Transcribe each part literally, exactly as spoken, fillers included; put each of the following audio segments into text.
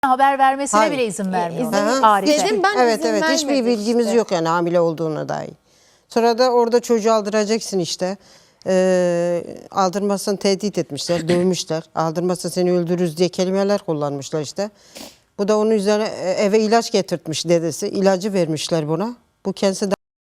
haber vermesine Hayır. bile izin vermiyor. İzin- Arif'e. Dedim ben Evet izin evet hiçbir vermedim bilgimiz işte. yok yani hamile olduğuna dair. Sonra da orada çocuğu aldıracaksın işte. Ee, aldırmasını tehdit etmişler, dövmüşler. Aldırmazsa seni öldürürüz diye kelimeler kullanmışlar işte. Bu da onun üzerine eve ilaç getirtmiş dedesi. İlacı vermişler buna. Bu kendisi de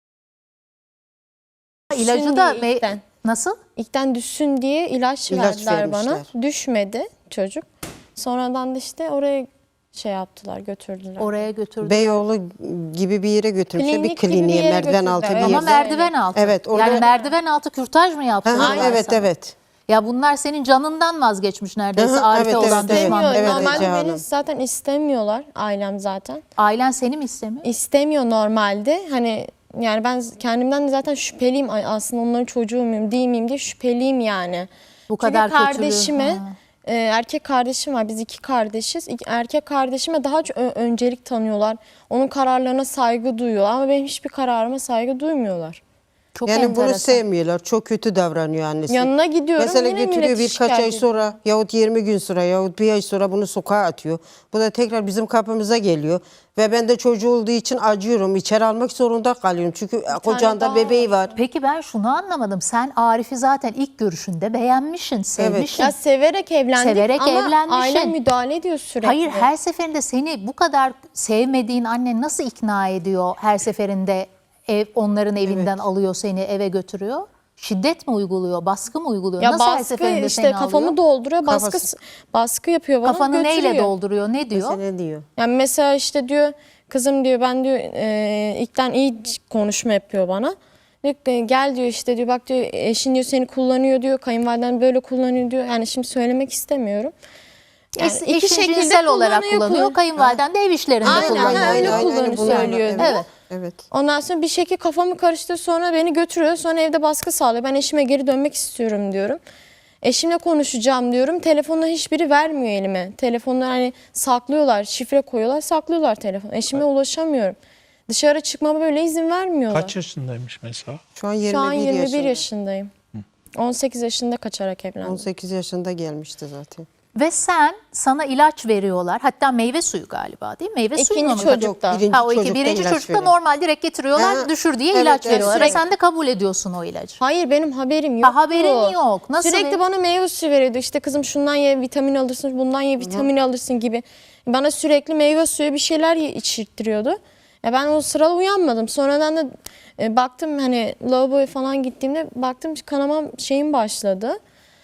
İlacı da Düşsün diye ilkten. nasıl? İlkten düşsün diye ilaç, İlaç verdiler bana. vermişler. Düşmedi çocuk. Sonradan da işte oraya şey yaptılar, götürdüler. Oraya götürdü. Beyoğlu gibi bir yere götürmüşler. Klinik Bir gibi bir kliniğe, yere merdiven altı bir götürdüler. Ama yerde. merdiven altı. Evet, orada- Yani merdiven altı kürtaj mı yaptılar? Hı hı, evet sana? evet. Ya bunlar senin canından vazgeçmiş neredeyse Hı hı, Arif'e evet, olan evet, evet. düşmanlığı. İstemiyor. Evet, Normalde Ece beni Hanım. zaten istemiyorlar, ailem zaten. Ailen seni mi istemiyor? İstemiyor normalde. Hani yani ben kendimden de zaten şüpheliyim. Ay, aslında onların çocuğu muyum, değil miyim diye şüpheliyim yani. Bu kadar Çünkü kötülüğü. kardeşime, Ha. e, erkek kardeşim var. Biz iki kardeşiz. İki- Erkek kardeşime daha çok ö- öncelik tanıyorlar. Onun kararlarına saygı duyuyorlar. Ama benim hiçbir kararıma saygı duymuyorlar. Çok Yani bunu enteresan. sevmiyorlar. Çok kötü davranıyor annesi. Yanına gidiyorum, Mesela yine götürüyor milleti birkaç ay şikayet sonra yahut yirmi gün sonra yahut bir ay sonra bunu sokağa atıyor. Bu da tekrar bizim kapımıza geliyor. Ve ben de çocuğu olduğu için acıyorum. İçeri almak zorunda kalıyorum. Çünkü kocanda daha bebeği var. Peki ben şunu anlamadım. Sen Arif'i zaten ilk görüşünde beğenmişsin, sevmişsin. Ya severek evlendik Severek ama evlenmişsin. ailem müdahale ediyor sürekli. Hayır, her seferinde seni bu kadar sevmediğin annen nasıl ikna ediyor? Her seferinde ev, onların evinden alıyor seni, eve götürüyor. Şiddet mi uyguluyor, baskı mı uyguluyor? Ya nasıl her baskı seferinde işte seni kafamı alıyor? dolduruyor, baskı Kafası- baskı yapıyor bana, Kafanı götürüyor. neyle dolduruyor, ne diyor? Mesela ne diyor? Yani mesela işte diyor kızım diyor ben diyor e, ilkten iyi konuşma yapıyor bana. Diyor, ki, gel diyor işte diyor bak diyor eşin diyor seni kullanıyor diyor, kayınvaliden böyle kullanıyor diyor. Yani şimdi söylemek istemiyorum. Yani Es- Eşin cinsel olarak kullanıyor, kullan- kayınvaliden de ev işlerinde Aynen, kullanıyor. ha, öyle Aynen, kullanıyor, bunlar. söylüyor. Evet. Evet. Evet. Ondan sonra bir şekilde kafamı karıştırıyor, sonra beni götürüyor, sonra evde baskı sağlıyor. Ben eşime geri dönmek istiyorum diyorum. Eşimle konuşacağım diyorum. Telefonla hiçbiri vermiyor elime. Telefonları hani saklıyorlar, şifre koyuyorlar, saklıyorlar telefonu. Eşime ulaşamıyorum. Dışarı çıkmama böyle izin vermiyorlar. Kaç yaşındaymış mesela? Şu an yirmi bir, Şu an yirmi bir yaşında. yaşındayım. on sekiz yaşında kaçarak evlendim. on sekiz yaşında gelmişti zaten. Ve sen, sana ilaç veriyorlar. Hatta meyve suyu galiba değil mi? Meyve suyu İkinci mu? çocukta. Yok, birinci Ha, o iki, çocukta birinci ilaç çocukta veriyor. normal direkt getiriyorlar, Ha, düşür diye evet, ilaç evet, veriyorlar. Ve sürekli- sen de kabul ediyorsun o ilacı. Hayır benim haberim yok. Ha, haberin yok. Nasıl Sürekli bir- bana meyve suyu veriyordu. İşte kızım şundan ye vitamin alırsın, bundan ye vitamin alırsın gibi. Bana sürekli meyve suyu bir şeyler ye- içirttiriyordu. Ya ben o sırada uyanmadım. Sonradan da e, baktım hani lavaboya falan gittiğimde baktım kanamam şeyim başladı.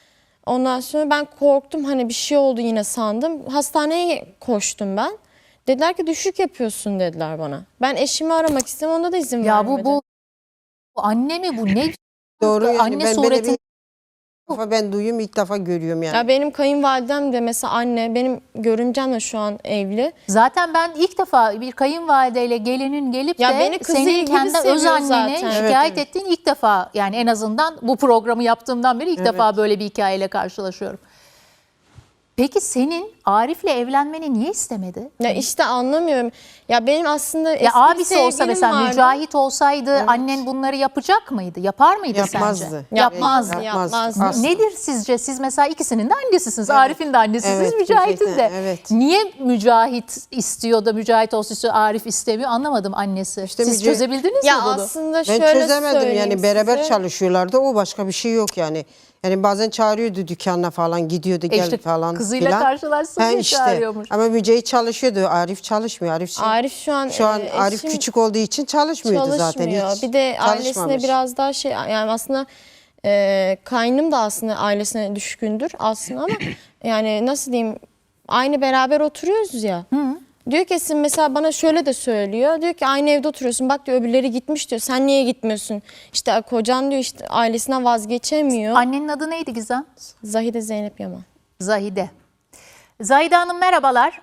Ondan sonra ben korktum, hani bir şey oldu yine sandım. Hastaneye koştum ben. Dediler ki düşük yapıyorsun dediler bana. Ben eşimi aramak istedim, onda da izin Ya vermedi. bu, bu bu anne mi bu ne? Doğru yani Anne ben böyle suretin- bir defa ben duyuyorum ilk defa görüyorum yani. Ya benim kayınvalidem de mesela anne, benim görümcem de şu an evli. Zaten ben ilk defa bir kayınvalideyle gelinin gelip Ya de beni kızı senin gibi kendi öz seviyor anneni zaten. şikayet Evet, ettiğin ilk defa, yani en azından bu programı yaptığımdan beri ilk defa böyle bir hikayeyle karşılaşıyorum. Peki senin Arif'le evlenmeni niye istemedi? Ya işte anlamıyorum. Ya benim aslında eski Ya bir abisi olsa sevgilim mesela vardı. Mücahit olsaydı annen bunları yapacak mıydı? Yapar mıydı Yapmazdı. sence? Yapmazdı, Yapmaz. yapmazdı. Asla. Nedir sizce? Siz mesela ikisinin de annesisiniz. Arif'in de annesisiniz, Evet, Mücahit'in de. gerçekten, evet. Niye Mücahit istiyor da Mücahit olsun istiyor, Arif istemiyor? Anlamadım annesi. İşte Siz Müca- çözebildiniz Ya mi bunu? aslında Ben şöyle çözemedim söyleyeyim yani beraber size. çalışıyorlardı o başka bir şey yok yani. Yani bazen çağırıyordu dükkanına falan gidiyordu gel işte falan kızıyla filan. karşılaşsın Ha, diye işte. çağırıyormuş. Ama Mücahit çalışıyordu, Arif çalışmıyor. Arif, şey- Arif şu an şu an e, Arif eşim küçük olduğu için çalışmıyordu zaten çalışmıyor. hiç. Bir de ailesine Çalışmamış. biraz daha şey, yani aslında e, kaynım da aslında ailesine düşkündür aslında ama yani nasıl diyeyim, aynı beraber oturuyoruz ya. Diyor ki Esin mesela bana şöyle de söylüyor. Diyor ki aynı evde oturuyorsun. Bak diyor öbürleri gitmiş diyor. Sen niye gitmiyorsun? İşte kocan diyor işte ailesinden vazgeçemiyor. Annenin adı neydi Gizem? Zahide Zeynep Yaman. Zahide. Zahide Hanım merhabalar.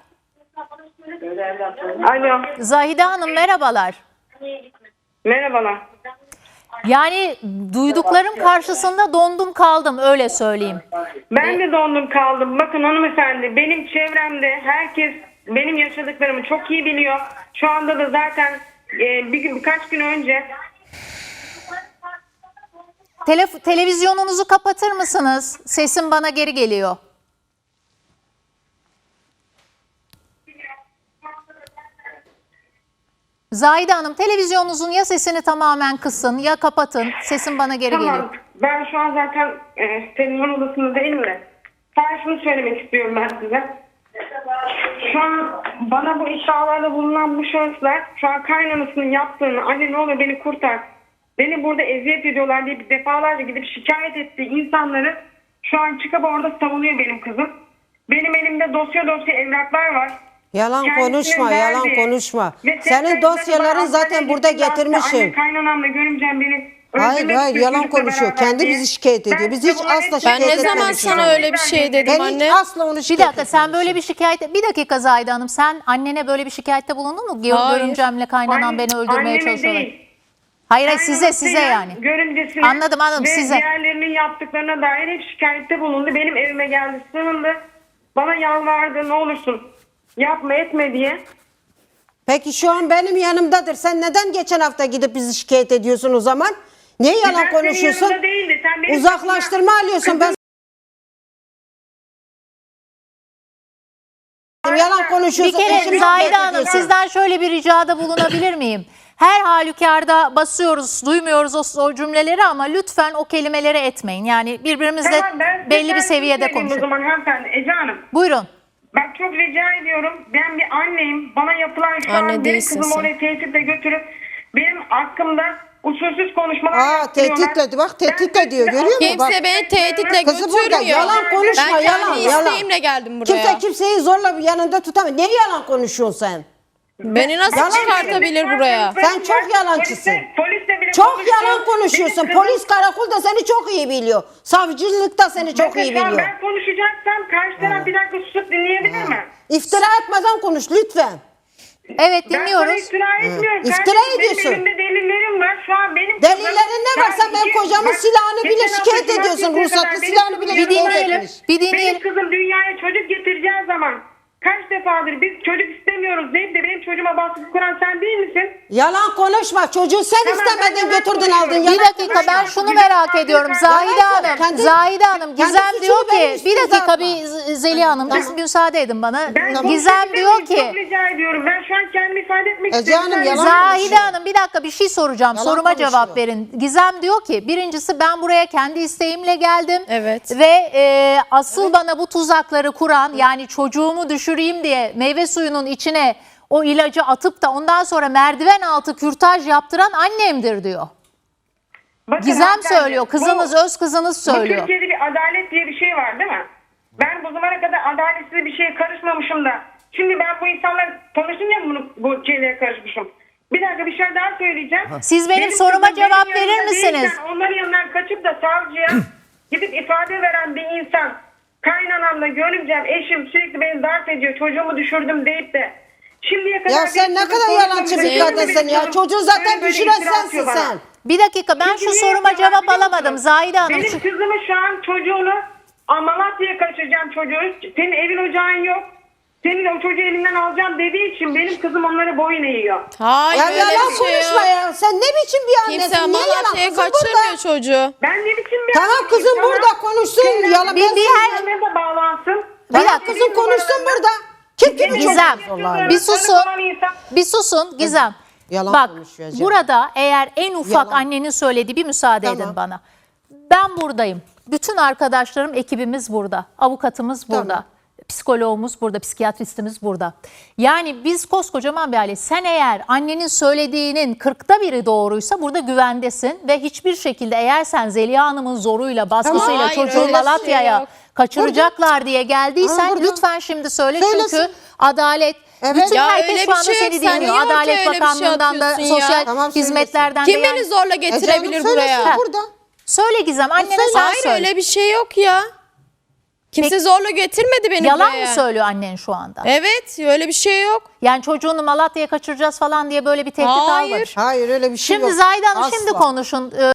Alo, Zahide Hanım merhabalar. merhabalar. Yani duyduklarım karşısında dondum kaldım, öyle söyleyeyim. Ben de dondum kaldım. Bakın hanımefendi, benim çevremde herkes benim yaşadıklarımı çok iyi biliyor. Şu anda da zaten e, bir gün, birkaç gün önce Telef- televizyonunuzu kapatır mısınız? Sesim bana geri geliyor. Zahide Hanım, televizyonunuzun ya sesini tamamen kısın ya kapatın. Sesin bana geri geliyor. Tamam. Ben şu an zaten e, televizyon odasında değilim de. Sadece şunu söylemek istiyorum ben size. Şu an bana bu iddialarda bulunan bu şahıslar şu an kaynanasının yaptığını, anne ne olur beni kurtar, beni burada eziyet ediyorlar diye bir defalarca gidip şikayet ettiği insanları şu an çıkıp orada savunuyor benim kızım. Benim elimde dosya dosya evraklar var. Yalan Kendisinin konuşma, verdiği yalan konuşma. ve Senin sesleri dosyaların bana zaten hastaneye burada gittiğinde hasta, getirmişim. Anne kaynanamla görümcem beni Hayır, öldürmek hayır, istiyor yalan çocukla konuşuyor. beraber Kendi diye. bizi şikayet ediyor. Ben Biz size hiç bunları asla hepsini Ben ne şikayet zaman etmemişim. sana öyle bir şey dedim Ben anne? hiç asla onu Bir şikayet dakika, sen böyle etmemişim. bir şikayet... Bir dakika Zahide Hanım, sen annene böyle bir şikayette bulundun mu? Hayır. Görümcemle kaynanan Anne- beni öldürmeye anneme çalışıyorlar. değil. Hayır hayır, size size Kaynanasıyla yani. Görümcesine Anladım, anladım, ve size. diğerlerinin yaptıklarına dair hep şikayette bulundu. Benim evime geldi, sığındı. Bana yalvardı, ne olursun yapma etme diye. Peki şu an benim yanımdadır. Sen neden geçen hafta gidip bizi şikayet ediyorsun o zaman? Niye Ben yalan senin konuşuyorsun? yanında değildi. Sen benim Uzaklaştırma kızıma- alıyorsun. Ben yalan Bir konuşuyorsun. kere eşimi Zahide şikayet Hanım, ediyorsun. sizden şöyle bir ricada bulunabilir miyim? Her halükarda basıyoruz, duymuyoruz o, o cümleleri ama lütfen o kelimeleri etmeyin. Yani birbirimizle Tamam, ben size belli bir şunu seviyede söyleyeyim konuşun. O zaman hanımefendi Ece Hanım. Buyurun. Ben çok rica ediyorum. Ben bir anneyim. Bana yapılan şu Anne an benim değilsin kızımı sen. oraya tehditle götürüp benim hakkımda usulsüz konuşmalar Aa, yaptırıyorlar. tehditle, bak, tehditle Ben diyor, size görüyor musun? Bak. Kimse beni tehditle Kızı burada götürmüyor. yalan konuşma, Ben yalan, kendi yalan. isteğimle geldim buraya. Kimse kimseyi zorla yanında tutamıyor. Niye yalan konuşuyorsun sen? Beni nasıl Yalan çıkartabilir buraya? Sen çok yalancısın. Polisle, polisle bile Çok konuştum. yalan konuşuyorsun. Benim kızım- Polis karakolda seni çok iyi biliyor. Savcılık da seni çok Bakın iyi şu an biliyor. Ben konuşacaksam karşı taraf bir dakika susup dinleyebilir mi? İftira etmeden konuş lütfen. Evet, Ben sana dinliyoruz. iftira etmiyorum. İftira Kardeşim, ediyorsun. Benim elimde delillerim var. Şu an benim Delillerin ne var? Sen benim iki- kocamın bak, silahını bile geçen hafta şikayet ediyorsun. cumartesiye Ruhsatlı kadar benim silahını kızım bile Bir şikayet dinleyelim. etmiş. Bir Benim dinleyelim. kızım dünyaya çocuk getireceği zaman kaç defadır biz çocuk istemiyoruz deyip de benim çocuğuma baskı kuran sen değil misin? Yalan konuşma. Çocuğu sen Tamam, istemedin, ben götürdün yalan aldın. Bir Yalan dakika, konuşma. ben şunu merak ediyorum. Zahide Yalan söyle. Hanım, Kendi- Zahide Hanım, kendi Gizem suçunu diyor benim ki, üstüme bir dakika atma. bir Z- Zeliha Hanım, bir müsaade edin bana. Ben Gizem konuşabilir diyor miyim? ki, Çok rica ediyorum. Ben şu an kendimi ifade etmek Ece istiyorum. Hanım, Sen- yalan Zahide konuşuyor. Hanım, bir dakika bir şey soracağım. Yalan Soruma konuşuyor. cevap verin. Gizem diyor ki, birincisi ben buraya kendi isteğimle geldim. Evet. Ve e, asıl bana bu tuzakları kuran, yani çocuğumu düşüreyim diye meyve suyunun içine o ilacı atıp da ondan sonra merdiven altı kürtaj yaptıran annemdir diyor. Bakın Gizem hanımefendi, söylüyor, kızınız, bu- öz kızınız Bu söylüyor. Türkiye'de bir adalet diye bir şey var değil mi? Ben bu zamana kadar adaletsiz bir şeye karışmamışım da. Şimdi ben bu insanlar tanışınca bunu bu şeylere karışmışım. Bir dakika bir şey daha söyleyeceğim. Siz benim soruma kızım benim cevap yanımda verir misiniz? değilken onların yanından kaçıp da savcıya gidip ifade veren bir insan, kaynanamla görümcem, eşim sürekli beni darp ediyor, çocuğumu düşürdüm deyip de şimdiye kadar... Ya sen bir ne kızın kadar konuşmamış, yalancı bir benim de kadınsın bir ya. kızım Çocuğu zaten böyle böyle düşüren iftira sensin atıyor bana. sen. Bir dakika, ben Peki şu niye soruma yapıyorlar cevap biliyor alamadım musun? Zahide Hanım. Benim kızımı şu an çocuğunu Malatya'ya kaçıracağım çocuğu. Senin evin ocağın yok. Senin o çocuğu elimden alacağım dediği için benim kızım onlara boyun eğiyor. Hayır Ya öyle yalan bir şey konuşma yok. ya. Sen ne biçim bir annesin? Kimse Niye yalan? Malatya'ya Kızım kaçırmıyor burada. çocuğu. Ben ne biçim bir Tamam anneyim, kızım tamam. burada konuşsun. Senin Yalan Bir- ben bir her- anneme de bağlansın. Bir Tamam dakika. kızım konuşsun burada. Kim kimi Gizem, çok bir susun. Bir susun Gizem. Yalan Bak, konuşuyor Ece. burada eğer en ufak Yalan. annenin söylediği, bir müsaade Tamam. edin bana. Ben buradayım. Bütün arkadaşlarım, ekibimiz burada. Avukatımız burada. Tamam. Psikoloğumuz burada, psikiyatristimiz burada. Yani biz koskocaman bir aile. Sen eğer annenin söylediğinin kırkta biri doğruysa burada güvendesin. Ve hiçbir şekilde eğer sen Zeliha Hanım'ın zoruyla, baskısıyla Tamam, hayır, çocuğu öyle bir şey Malatya'ya yok. kaçıracaklar diye geldiysen Ama burada- lütfen şimdi söyle. Söylesin. Çünkü adalet, Evet. bütün Ya herkes öyle şu bir anda şey yok. seni Sen dinliyor. niye ortaya Adalet öyle bir şey Bakanlığı'ndan da, atıyorsun ya? sosyal Tamam, söylesin. hizmetlerden de. Kim yani- beni zorla getirebilir Ece Hanım buraya? söylesin burada. Söyle Gizem, annene sen Hayır söyle. öyle bir şey yok ya. Kimse Peki- zorla getirmedi beni Yalan buraya. mı söylüyor annen şu anda? Evet öyle bir şey yok. Yani çocuğunu Malatya'ya kaçıracağız falan diye böyle bir tehdit Hayır. almamış. Hayır öyle bir şey Şimdi yok. Zahide Hanım Asla. şimdi konuşun. Ee,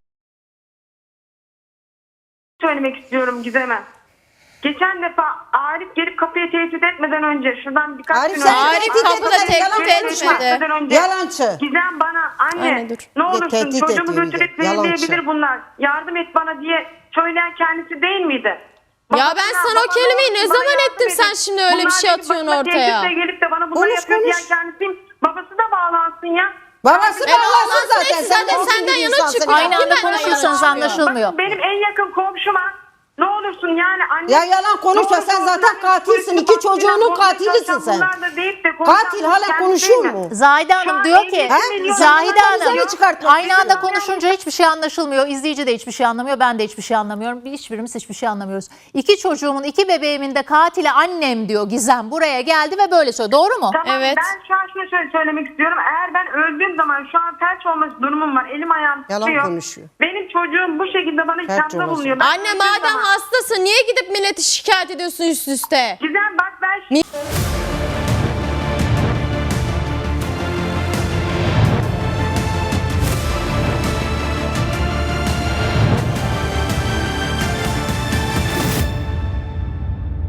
Söylemek istiyorum Gizem'e. Geçen defa Arif gelip kapıyı tehdit etmeden önce şuradan birkaç Arif gün sen önce... Arif tehdit kapıda etmeden tehdit yalan etmedi. konuşma. etmeden önce Yalancı. Gizem bana anne, Anne, dur. ne olursun tehdit çocuğumu ediyor bir de. götürüp Yalancı. verebilir bunlar. Yardım et bana diye söyleyen kendisi değil miydi? Ya ben sana o kelimeyi ne zaman ettim, sen şimdi öyle bir şey atıyorsun ortaya. Gelip de bana bunları Konuş, yapıyor konuş. diyen kendisiyim. Babası da bağlansın ya. Babası E, bağlansın bağlansın, zaten. hepsi Sen zaten olsun senden bir yana insansın çıkıyor. ya. Aynı Kim anda benden konuşursanız yana anlaşılmıyor. Bakın benim en yakın komşuma ne olursun yani anne. Ya yalan konuşma, sen zaten katilsin. İki çocuğunun katilisin sen. Katil hala konuşuyor mu? Zahide Hanım diyor ki, He? Zahide Sen bize Hanım mi çıkartmak aynı anda istiyorsun? konuşunca hiçbir şey anlaşılmıyor. İzleyici de hiçbir şey anlamıyor. Ben de hiçbir şey anlamıyorum. Hiçbirimiz hiçbir şey anlamıyoruz. İki çocuğumun, iki bebeğimin de katili annem diyor Gizem. Buraya geldi ve böyle söylüyor. Doğru mu? Tamam, Evet. ben şu an şunu şöyle söylemek istiyorum. Eğer ben öldüğüm zaman şu an felç olması durumum var. Elim ayağım Yalan tutuyor. konuşuyor. Benim çocuğum bu şekilde bana Felç ithamda olması. bulunuyor. Ben Anne öldüğüm madem zaman- hastasın niye gidip milleti şikayet ediyorsun üst üste? Güzel bak ben...